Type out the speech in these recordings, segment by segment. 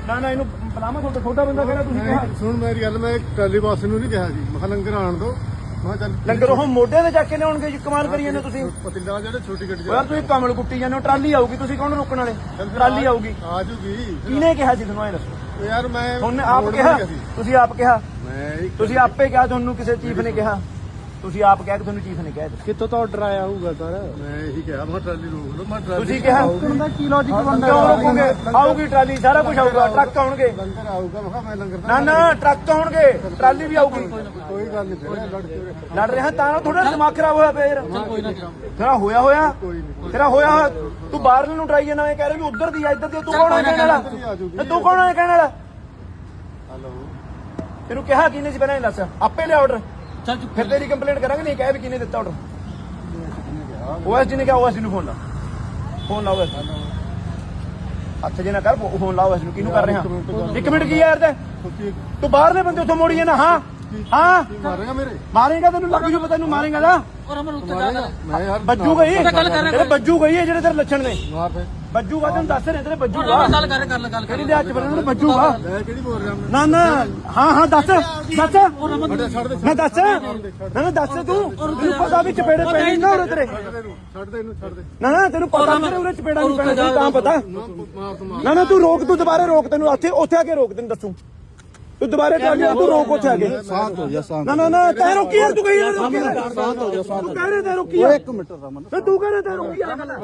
ਨਾ ਨਾ ਇਹਨੂੰ ਬਲਾਮਾ ਛੋਟਾ ਬੰਦਾ ਕਿਹੜਾ ਤੁਸੀਂ ਕਿਹਾ ਸੁਣ ਮੇਰੀ ਗੱਲ ਮੈਂ ਟਰਾਲੀ ਬੱਸ ਨੂੰ ਨਹੀਂ ਕਿਹਾ ਜੀ ਮੈਂ ਕਿਹਾ ਲੰਗਰ ਆਣ ਦੋ ਮੈਂ ਚੱਲ ਲੰਗਰ ਉਹ ਮੋਢੇ ਤੇ ਚੱਕ ਕੇ ਲਿਆਉਣਗੇ ਜੀ ਕਮਾਲ ਕਰੀ ਜਾਂਦੇ ਤੁਸੀਂ ਪਤਿੰਦਾ ਜਿਹੜੇ ਛੋਟੀ ਗੱਡੀ ਯਾਰ ਤੁਸੀਂ ਕਮਲ ਕੁੱਟੀ ਜਾਂਦੇ ਹੋ ਟਰਾਲੀ ਆਊਗੀ ਤੁਸੀਂ ਕੌਣ ਰੋਕਣ ਵਾਲੇ ਟਰਾਲੀ ਆਊਗੀ ਆ ਜੂਗੀ ਕਿਹਨੇ ਕਿਹਾ ਸੀ ਤੁਹਾਨੂੰ ਇਹ ਦੱਸੋ ਯਾਰ ਮੈਂ ਉਹਨੇ ਆਪ ਕਿਹਾ ਤੁਸੀਂ ਆਪ ਕਿਹਾ ਮੈਂ ਤੁਸੀਂ ਆਪੇ ਕਿਹਾ ਤੁਹਾਨੂੰ ਕਿਸੇ ਚੀਫ ਨੇ ਕਿਹਾ ਤੁਸੀਂ ਆਪ ਕਿਹਾ ਕਿ ਤੁਹਾਨੂੰ ਚੀਫ ਨੇ ਕਿਹਾ ਕਿੱਥੋਂ ਤੋਂ ਆਰਡਰ ਆਇਆ ਹੋਊਗਾ ਸਰ ਮੈਂ ਇਹੀ ਕਿਹਾ ਮੈਂ ਟਰਾਲੀ ਰੋਕ ਲਓ ਮੈਂ ਟਰਾਲੀ ਤੁਸੀਂ ਕਿਹਾ ਉਹਦਾ ਕੀ ਲੌਜੀਕ ਬਣਦਾ ਕਿਉਂ ਰੋਕੋਗੇ ਆਊਗੀ ਟਰਾਲੀ ਸਾਰਾ ਕੁਝ ਆਊਗਾ ਟਰੱਕ ਆਉਣਗੇ ਲੰਗਰ ਆਊਗਾ ਮੈਂ ਕਿਹਾ ਮੈਂ ਲੰਗਰ ਨਾ ਨਾ ਟਰੱਕ ਆਉਣਗੇ ਟਰਾਲੀ ਵੀ ਆਊਗੀ ਕੋਈ ਗੱਲ ਨਹੀਂ ਫਿਰ ਲੜ ਕੇ ਲੜ ਰਿਹਾ ਤਾਂ ਥੋੜਾ ਦਿਮਾਗ ਖਰਾਬ ਹੋਇਆ ਪਿਆ ਯਾਰ ਤੇਰਾ ਹੋਇਆ ਤੇਰਾ ਹੋਇਆ ਤੂੰ ਬਾਹਰ ਨੂੰ ਟਰਾਈ ਜਾਣਾ ਇਹ ਕਹਿ ਰਿਹਾ ਵੀ ਉਧਰ ਦੀ ਆ ਇੱਧਰ ਦੀ ਤੂੰ ਕੌਣ ਹੈ ਕਹਿਣ ਵਾਲਾ ਤੂੰ ਕੌਣ ਹੈ ਕਹਿਣ ਵਾਲਾ ਹਲੋ ਤੈਨੂੰ ਕਿਹਾ ਕਿਹਨੇ ਸੀ ਪਹਿਲਾਂ ਇਹ ਦੱਸ ਆਪੇ ਲਿਆ ਆਰਡਰ ਫਿਰ ਤੇਰੀ ਕੰਪਲੇਂਟ ਕਰਾਂਗੇ ਨਹੀਂ ਕਹਿ ਵੀ ਕਿਹਨੇ ਦਿੱਤਾ ਆਰਡਰ ਓਐਸਡੀ ਨੇ ਕਿਹਾ ਓਐਸਡੀ ਨੂੰ ਫੋਨ ਲਾ ਓਐਸਡੀ ਹੱਥ ਜੇ ਨਾ ਕਰ ਫੋਨ ਲਾ ਓਐਸਡੀ ਨੂੰ ਕਿਹਨੂੰ ਕਰ ਰਿਹਾ 1 ਮਿੰਟ ਕੀ ਯਾਰ ਤੂੰ ਬਾਹਰਲੇ ਬੰਦੇ ਉੱਥੋਂ ਮੋੜੀ ਜਾਣਾ ਹਾਂ ਮਾਰੇਗਾ ਮੇਰੇ ਮਾਰੇਗਾ ਤੈਨੂੰ ਲੱਗ ਜੂ ਪਤਾ ਤੈਨੂੰ ਮਾਰੇਗਾ ਨਾ ਮੈਂ ਯਾਰ ਬੱਜੂ ਗਈ ਤੇਰੇ ਬੱਜੂ ਗਈ ਹੈ ਜਿਹੜੇ ਤੇਰੇ ਲੱਛਣ ਨੇ ਮਾਰ ਫੇ ਬੱਜੂਗਾ ਤੈਨੂੰ ਦੱਸ ਰਹੇ ਤੇਰੇ ਬੱਜੂਗਾ ਗੱਲ ਕਿਹੜੀ ਦੇ ਹੱਥ ਬੰਨਣ ਬੱਜੂਗਾ ਮੈਂ ਕਿਹੜੀ ਬੋਲ ਰਿਹਾ ਨਾ ਨਾ ਹਾਂ ਦੱਸ ਛੱਡ ਦੇ ਨਾ ਦੱਸ ਨਾ ਦੱਸ ਤੂੰ ਤੈਨੂੰ ਪਤਾ ਵੀ ਚਪੇੜੇ ਪੈਣੇ ਨਾ ਉਰੇ ਤੇਰੇ ਛੱਡ ਦੇ ਇਹਨੂੰ ਛੱਡ ਦੇ ਨਾ ਤੈਨੂੰ ਪਤਾ ਮੇਰੇ ਉਰੇ ਚਪੇੜਾ ਨਹੀਂ ਪੈਣਾ ਤੈਨੂੰ ਤਾਂ ਪਤਾ ਮਾਰ ਤੂੰ ਨਾ ਤੂੰ ਰੋਕ ਤੂੰ ਦੁਬਾਰੇ ਰੋਕ ਤੈਨੂੰ ਉੱਥੇ ਆ ਕੇ ਰੋਕ ਤੈਨੂੰ ਦੱਸੂ ਤੂੰ ਦੁਬਾਰੇ ਚੱਲ ਜਾ ਤੂੰ ਰੋਕ ਉੱਥੇ ਆ ਕੇ ਸ਼ਾਂਤ ਹੋ ਜਾ ਸ਼ਾਂਤ ਨਾ ਤੈ ਰੋਕੀ ਯਾਰ ਤੂੰ ਕਹੀ ਯਾਰ ਰੋਕੀ ਸ਼ਾਂਤ ਹੋ ਜਾ ਸ਼ਾਂਤ ਤੂੰ ਕਹਿ ਰਿਹਾ ਤੈ ਰੋਕੀ ਯਾਰ 1 ਮਿੰਟ ਰਮਨ ਤੇ ਤੂੰ ਕਹਿ ਰਿਹਾ ਤੈ ਰੋਕੀ ਯਾਰ ਤੂੰ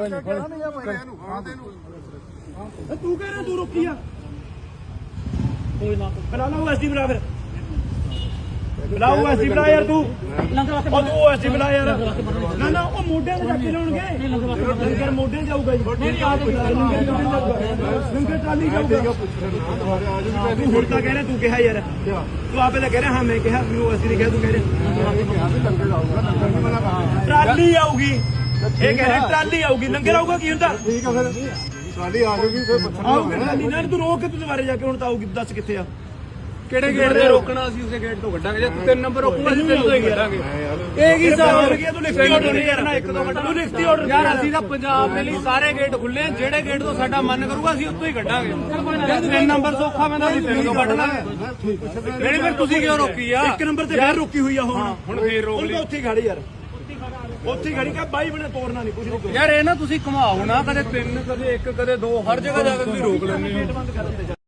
ਕਹਿ ਰਿਹਾ ਤੂੰ ਰੋਕੀ ਆ ਕੋਈ ਨਾ ਬੁਲਾ ਲਾ ਐਸਡੀ ਬੁਲਾ ਫਿਰ ਬੁਲਾਓ ਐਸਡੀ ਬੁਲਾ ਯਾਰ ਤੂੰ ਉਹ ਤੂੰ ਐਸਡੀ ਬੁਲਾ ਯਾਰ ਨਾ ਉਹ ਮੋਢੇ ਤੇ ਚੱਕ ਕੇ ਲਾਉਣਗੇ ਲੰਗਰ ਮੋਢੇ ਜਾਊਗਾ ਜੀ ਲੰਗਰ ਟਰਾਲੀ ਜਾਊਗਾ ਤੂੰ ਹੁਣ ਤਾਂ ਕਹਿ ਰਿਹਾ ਤੂੰ ਕਿਹਾ ਯਾਰ ਤੂੰ ਆਪੇ ਤਾਂ ਕਹਿ ਰਿਹਾ ਹਾਂ ਮੈਂ ਕਿਹਾ ਮੈਨੂੰ ਐਸਡੀ ਨੇ ਕਿਹਾ ਤੂੰ ਕਹਿ ਰਿਹਾ ਟਰਾਲੀ ਆਊਗੀ ਇਹ ਕਹਿ ਰਿਹਾ ਟਰਾਲੀ ਆਊਗੀ ਲੰਗਰ ਆਊਗਾ ਕੀ ਹੁੰਦਾ ਠੀਕ ਆ ਫਿਰ ਟਰਾਲੀ ਆ ਜੂਗੀ ਫਿਰ ਆਊਗੀ ਟਰਾਲੀ ਨਾ ਤੂੰ ਰੋਕ ਕੇ ਤੂੰ ਦੁਬਾਰੇ ਜਾ ਕੇ ਹੁਣ ਤਾਂ ਆਊਗੀ ਦੱਸ ਕਿੱਥੇ ਆ ਕਿਹੜੇ ਗੇਟ ਤੇ ਰੋਕਣਾ ਅਸੀਂ ਉਸੇ ਗੇਟ ਤੋਂ ਕੱਢਾਂਗੇ ਜੇ ਤੂੰ 3 ਨੰਬਰ ਰੋਕੂਗਾ ਅਸੀਂ 3 ਤੋਂ ਹੀ ਕਰਾਂਗੇ ਇਹ ਕੀ ਹਿਸਾਬ ਹੋ ਗਿਆ ਤੂੰ ਲਿਖਤੀ ਆਰਡਰ ਨਹੀਂ ਕਰਨਾ 1 2 ਮਿੰਟ ਤੂੰ ਲਿਖਤੀ ਆਰਡਰ ਯਾਰ ਅਸੀਂ ਤਾਂ ਪੰਜਾਬ ਦੇ ਲਈ ਸਾਰੇ ਗੇਟ ਖੁੱਲੇ ਜਿਹੜੇ ਗੇਟ ਤੋਂ ਸਾਡਾ ਮਨ ਕਰੂਗਾ ਅਸੀਂ ਉੱਥੋਂ ਹੀ ਕੱਢਾਂਗੇ ਜੇ 3 ਨੰਬਰ ਸੌਖਾ ਮੈਂ ਤਾਂ ਅਸੀਂ 3 ਤੋਂ ਕੱਢ ਲਾਂਗੇ ਜਿਹੜੀ ਫਿਰ ਤੁਸੀਂ ਕਿਉਂ ਰੋਕੀ ਆ 1 ਨੰਬਰ ਤੇ ਫੇਰ ਰੁਕੀ ਹੋਈ ਆ ਹੁਣ ਫੇਰ ਰੋਕ ਲਈ ਉੱਥੇ ਖੜੀ ਯਾਰ ਉੱਥੇ ਖੜੀ ਕਾ ਬਾਈ ਬਣੇ ਤੋੜਨਾ ਨਹੀਂ ਕੁਝ ਨਹੀਂ ਯਾਰ ਇਹ ਨਾ ਤੁਸੀਂ ਘੁਮਾਓ ਨਾ ਕਦੇ 3 ਕਦੇ 1 ਕਦੇ 2 ਹਰ ਜਗ੍ਹਾ ਜਾ ਕੇ ਤੁਸੀਂ ਰੋਕ ਲੈਂਦੇ ਹੋ